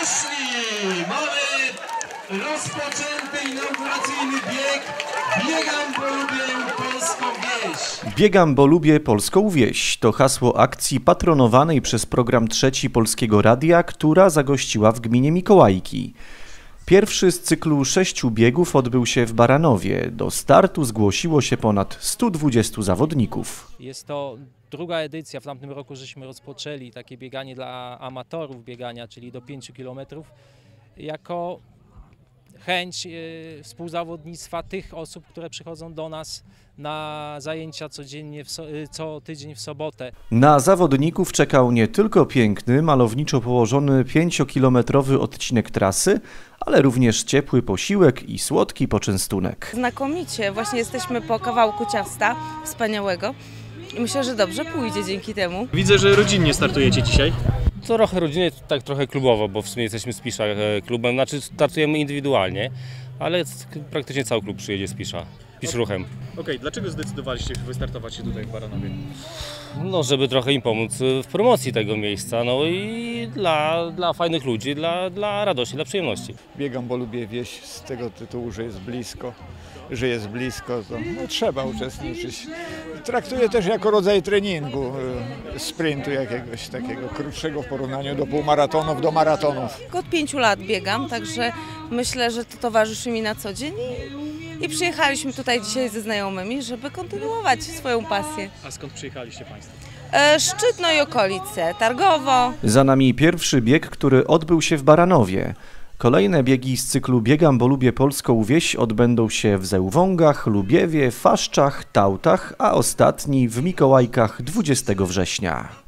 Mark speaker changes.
Speaker 1: poszli! Mamy rozpoczęty inauguracyjny bieg. Biegam, bo lubię polską wieś.
Speaker 2: Biegam, bo lubię polską wieś. To hasło akcji patronowanej przez program Trzeci Polskiego Radia, która zagościła w gminie Mikołajki. Pierwszy z cyklu 6 biegów odbył się w Baranowie. Do startu zgłosiło się ponad 120 zawodników.
Speaker 3: Jest to druga edycja. W tamtym roku żeśmy rozpoczęli takie bieganie dla amatorów biegania, czyli do 5 km, jako chęć współzawodnictwa tych osób, które przychodzą do nas na zajęcia codziennie, co tydzień w sobotę.
Speaker 2: Na zawodników czekał nie tylko piękny, malowniczo położony 5-kilometrowy odcinek trasy, ale również ciepły posiłek i słodki poczęstunek.
Speaker 4: Znakomicie, właśnie jesteśmy po kawałku ciasta wspaniałego i myślę, że dobrze pójdzie dzięki temu.
Speaker 5: Widzę, że rodzinnie startujecie dzisiaj.
Speaker 6: Trochę rodzinnie, tak trochę klubowo, bo w sumie jesteśmy z Pisza klubem, znaczy startujemy indywidualnie, ale praktycznie cały klub przyjedzie z Pisza, Pisz-Ruchem.
Speaker 5: Okej, dlaczego zdecydowaliście wystartować się tutaj w Baranowie?
Speaker 6: No, żeby trochę im pomóc w promocji tego miejsca, no i dla fajnych ludzi, dla radości, dla przyjemności.
Speaker 7: Biegam, bo lubię wieś z tego tytułu, że jest blisko, to no, trzeba uczestniczyć. Traktuję też jako rodzaj treningu, sprintu jakiegoś takiego krótszego w porównaniu do półmaratonów, do maratonów.
Speaker 4: Od 5 lat biegam, także myślę, że to towarzyszy mi na co dzień i przyjechaliśmy tutaj dzisiaj ze znajomymi, żeby kontynuować swoją pasję.
Speaker 5: A skąd przyjechaliście Państwo?
Speaker 4: Szczytno i okolice, Targowo.
Speaker 2: Za nami pierwszy bieg, który odbył się w Baranowie. Kolejne biegi z cyklu Biegam, bo lubię polską wieś odbędą się w Zełwągach, Lubiewie, Faszczach, Tałtach, a ostatni w Mikołajkach 20 września.